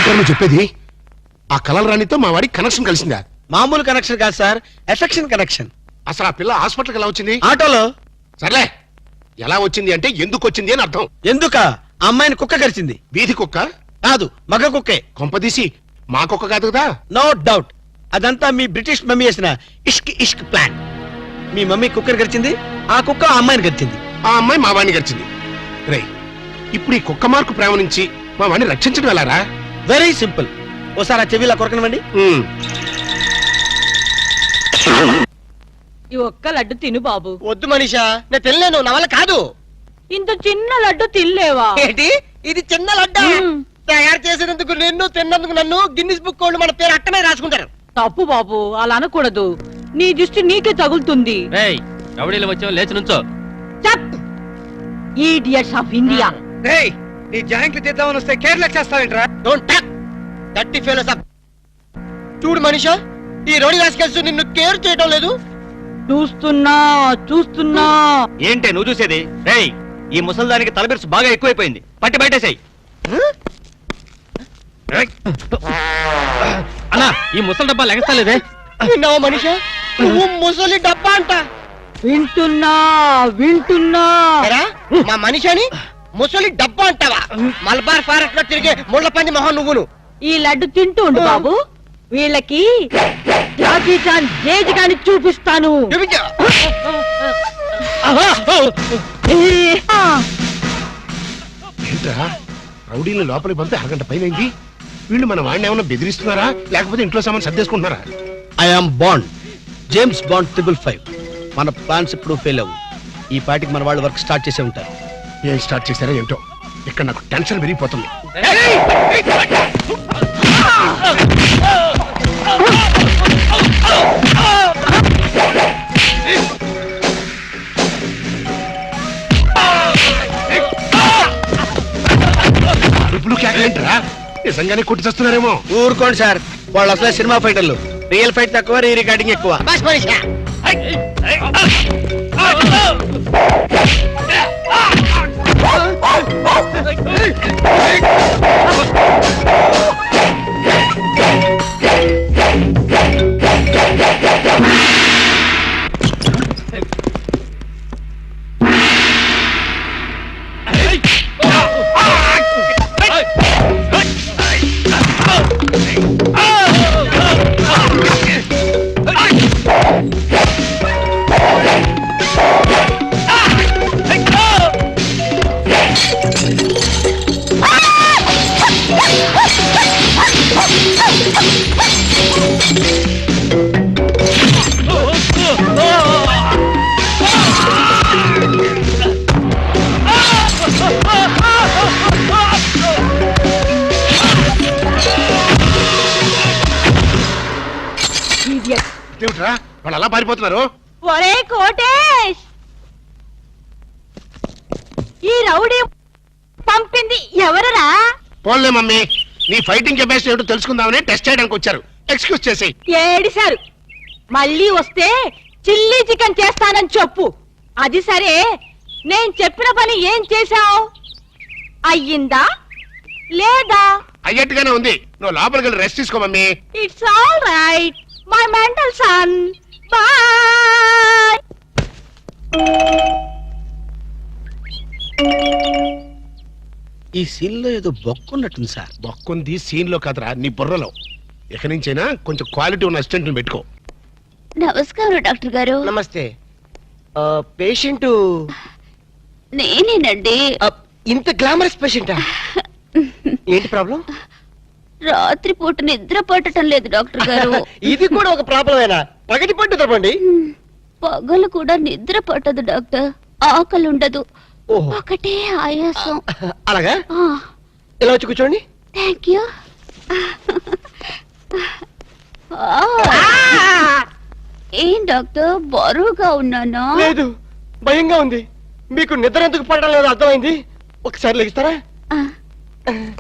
నువ్వు చెప్పేది ఆ కలల రాణితో మా వాడికి కనెక్షన్ కలిసిందా? మామూలు కనెక్షన్ కాదు సార్, ఎఫెక్షన్ కనెక్షన్. అసలు ఆ పిల్ల హాస్పిటల్కి ఎలా వచ్చింది? ఆటోలో. సర్లే, ఎలా వచ్చింది అంటే ఎందుకు వచ్చింది అని అర్థం. ఎందుక? అమ్మాయిని కుక్క కరిచింది. వీధి కుక్క కాదు, మగ కుక్కే. కొంపదీసి మా కుక్క కాదు కదా? నో డౌట్, అదంతా మీ బ్రిటిష్ మమ్మీ చేసిన ఇష్క్ ఇష్క్ ప్లాన్. మీ మమ్మీ కుక్కర్ గరిచింది, ఆ కుక్క ఆ అమ్మాయిని గరిచింది. ఆ అమ్మాయి మా వాడిని గడిచింది. రే, ఇప్పుడు ఈ కుక్క మార్కు ప్రేమ నుంచి మా వాడిని రక్షించడం ఎలారా? Very simple. ఓసారి ఆ చెవిలా కొరకనివ్వండి. ఈ ఒక్క లడ్డు తిను బాబు. వద్దు మనీషా, నేను తినలేను, నా వల్ల కాదు. ఇంత చిన్న లడ్డు తినలేవా? ఏంటి ఇది చిన్న లడ్డు? తయారు చేసినందుకు నిన్ను, తిన్నందుకు నన్ను గిన్నిస్ బుక్ వాళ్ళు మన పేరు అట్టనే రాసుకుంటారు. తప్పు బాబు, అలా అనకూడదు. నీ దృష్టి నీకే తగులుతుంది. రౌడీలు వచ్చావు, లేచి నుంచో. Idiots of India. నీ జాయింట్లు తీద్దామని వస్తే కేర్లెస్ చేస్తావేంట్రా? డోంట్ టాక్ దట్టి ఫెలోస్ అప్. చూడు మనీషా, ఈ రోడి రాసుకెళ్తూ నిన్ను కేర్ చేయడం లేదు. చూస్తున్నా. ఏంటే నువ్వు చూసేది? రేయ్, ఈ ముసల్దానికి తలబిరుసు బాగా ఎక్కువైపోయింది, పట్టి బయటేసాయి. అన్నా, ఈ ముసలి డబ్బా లెగస్తలేదే. విన్నావా మనీషా, నువ్వు ముసలి డబ్బా అంట. వింటున్నా. మా మనిషిని ముసలి డబ్బా అంటావా? మలబార్ ఫారెస్ట్ లో తిరిగే ముళ్ళ పంది మొహం నువ్వును. ఈ లడ్డు తింటూ ఉండు బాబు, వీళ్ళకి జాకీ చాన్ జేజ్ గాని చూపిస్తాను. ఏంట్రా, రౌడీని లోపలికి పంపి అరగంట పైనైంది. వీళ్ళు మన వాడిని ఏమన్నా బెదిరిస్తున్నారా, లేకపోతే ఇంట్లో సామాన్ సర్దేసుకుంటున్నారా? I'm Bond, James Bond 555. మన ప్లాన్స్ ఇప్పుడు ఫెయిల్ అవ్వు. ఈ పార్టీకి మన వాళ్ళు వర్క్ స్టార్ట్ చేసే ఉంటారు. ఏం స్టార్ట్ చేశారో ఏంటో, ఇక్కడ నాకు టెన్షన్ పెరిగిపోతుంది. అరుపులు కేకలేంటరా? నిజంగానే కొట్టి చేస్తున్నారేమో. ఊరుకోండి సార్, వాళ్ళు అసలే సినిమా ఫైటర్లు. రియల్ ఫైట్ తక్కువ, రీ రికార్డింగ్ ఎక్కువ. వాళ్ళు అలా పారిపోతున్నారు. ఒరే కోటేష్, ఈ రౌడీ పంపింది ఎవరరా? పోన్లే మమ్మీ, నీ ఫైటింగ్ కెపాసిటీ ఏమిటో తెలుసుకుందామని టెస్ట్ చేయడానికి వచ్చారు. ఎక్స్క్యూజ్ చేసి. ఏడిశారు. మళ్ళీ వస్తే చిల్లీ చికెన్ చేస్తానని చెప్పు. అది సరే, నేను చెప్పిన పని ఏం చేశావు? అయ్యిందా లేదా? అయ్యట్టుగానే ఉంది. నువ్వు లోపలికి వెళ్ళి రెస్ట్ తీసుకో mummy. It's all right my mental son. Bye. ఈ సీన్ లో ఏదో బొక్కున్నట్టుంది సార్. బొక్కుంది సీన్ లో కాదురా, నీ బుర్రలో. ఇక నుంచైనా కొంచెం క్వాలిటీ ఉన్న అసిస్టెంట్ పెట్టుకో. నమస్కారం డాక్టర్ గారు. నమస్తే. పేషెంట్ నేనేనండి. ఇంత గ్లామరస్ పేషెంటా? ఏంటి ప్రాబ్లం? రాత్రిపూట నిద్ర పట్టడం లేదు డాక్టర్ గారు. ఇది కూడా ఒక ప్రాబ్లమేనా? పగటి పట్టు తప్పండి. పగలు కూడా నిద్ర పట్టదు డాక్టర్. ఆకలి ఉండదు, ఒకటే ఆయాసం. అలాగా? ఇలా వచ్చి కూర్చోండి. Thank you. ఏం డాక్టర్, బరువుగా ఉన్నానా? లేదు, భయంగా ఉంది. మీకు నిద్ర ఎందుకు పడడం లేదు అర్థమైంది. ఒకసారి లెగిస్తారా?